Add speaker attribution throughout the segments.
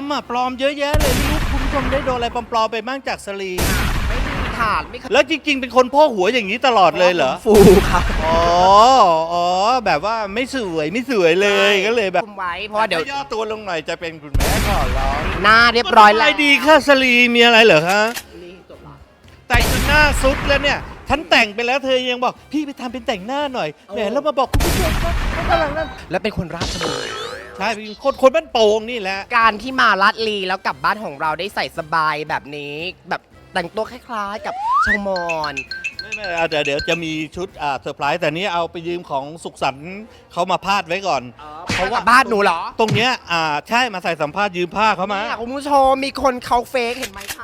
Speaker 1: ปลอมเยอะแยะเลยไม่รู้คุณผู้ชมได้โดนอะไรปลอมๆไปบ้างจากสลี
Speaker 2: ไม่มีถาดไม่เคย
Speaker 1: แล้วจริงๆเป็นคนพ่อหัวอย่างนี้ตลอดเลยเหรอ
Speaker 2: ฟูครับ
Speaker 1: อ๋อแบบว่าไม่สวยเลยก็เลยแบบ
Speaker 2: คุมไว้เพราะว่าเดี๋ยว
Speaker 1: ย่อตัวลงหน่อยจะเป็นคุณแม่ก่อนร้อง
Speaker 2: หน้าเรียบร้อยแล้ว
Speaker 1: อะไรดีค่ะสลีมีอะไรเหรอคะ
Speaker 2: นี่จบละ
Speaker 1: แต่งจนหน้าซุดแล้วเนี่ยฉันแต่งไปแล้วเธอยังบอกพี่ไปทำเป็นแต่งหน้าหน่อยแหมแล้วมาบอกคุณผู้ชมว่าเขากำลังนั่น
Speaker 2: แล้วเป็นคนราชบุรี
Speaker 1: ใช่เป็นคนบ้านโป่งนี่แหละ
Speaker 2: การที่มาลาดลีแล้วกลับบ้านของเราได้ใส่สบายแบบนี้แบบแต่งตัวคล้ายๆกับชาวมอญ
Speaker 1: ไม่เอาเดี๋ยวจะมีชุดเซอร์ไพรส์แต่นี้เอาไปยืมของสุขสันต์เขามาพาดไว้ก่อน
Speaker 2: เพราะว่าบ้านหนูเหรอ
Speaker 1: ตรงเนี้ยใช่มาใส่สัมภาษณ์ยืมผ้าเขามา
Speaker 2: เนี่ยคุณผู้ชมมีคนเขาเฟกเห็นไหมคะ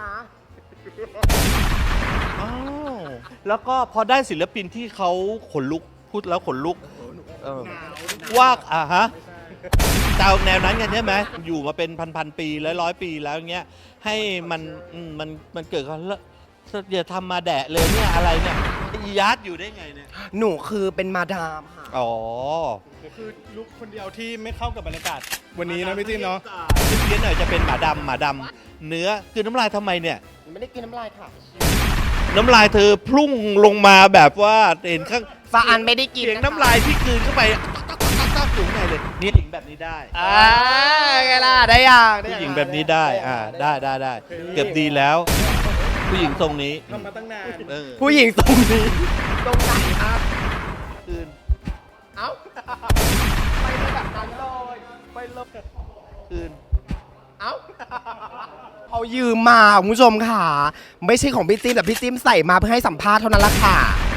Speaker 1: อ้าวแล้วก็พอได้ศิลปินที่เขาขนลุกพูดแล้วขนลุกว่าฮะเจ้าแนวนั้นกันใช่ไหมอยู่มาเป็นพันปีร้อยปีแล้วเงี้ยให้มันเกิดกันแล้วอย่าทำมาแดะเลยเนี่ยอะไรเนี่ยอียาร์ดอยู่ได้ไงเนี่ย
Speaker 2: หนูคือเป็นมาดามค่ะ
Speaker 1: อ๋อ
Speaker 3: คือลุกคนเดียวที่ไม่เข้ากับบรรยากาศวันนี้นะพี่จิ้มเนาะ
Speaker 1: เพี้ยนหน่อยจะเป็นหมาดำเนื้อคือน้ำลายทำไมเนี่ย
Speaker 2: ไม่ได้กินน้ำลายค่ะ
Speaker 1: น้ำลายเธอพุ่งลงมาแบบว่าเห็นข้าง
Speaker 2: ฟาอันไม่ได้กิน
Speaker 1: เสียงน้ำลายที่กลืนเข้าไปตักอยู่ข้างในเลยนี่ผู้หญิงแบบนี้ได้
Speaker 2: ไงล่ะได้ยัง
Speaker 1: ผู้หญิงแบบนี้ได้ได้เกือบดีแล้ว ผู้หญิงทรงนี้
Speaker 3: ทำมาตั้งนาน
Speaker 2: ผู้หญิงตรงนี้ตรงไหนครับ
Speaker 1: คืน
Speaker 2: เอ้าไปเลยแบบนั้นเลยไปเลย
Speaker 1: คืน
Speaker 2: เอ้าเขายืมมาคุณผู้ชมค่ะ ไม่ใช่ของพี่จิ้มแต่พี่จิ้มใส่มาเพื่อให้สัมภาษณ์เท่านั้นละค่ะ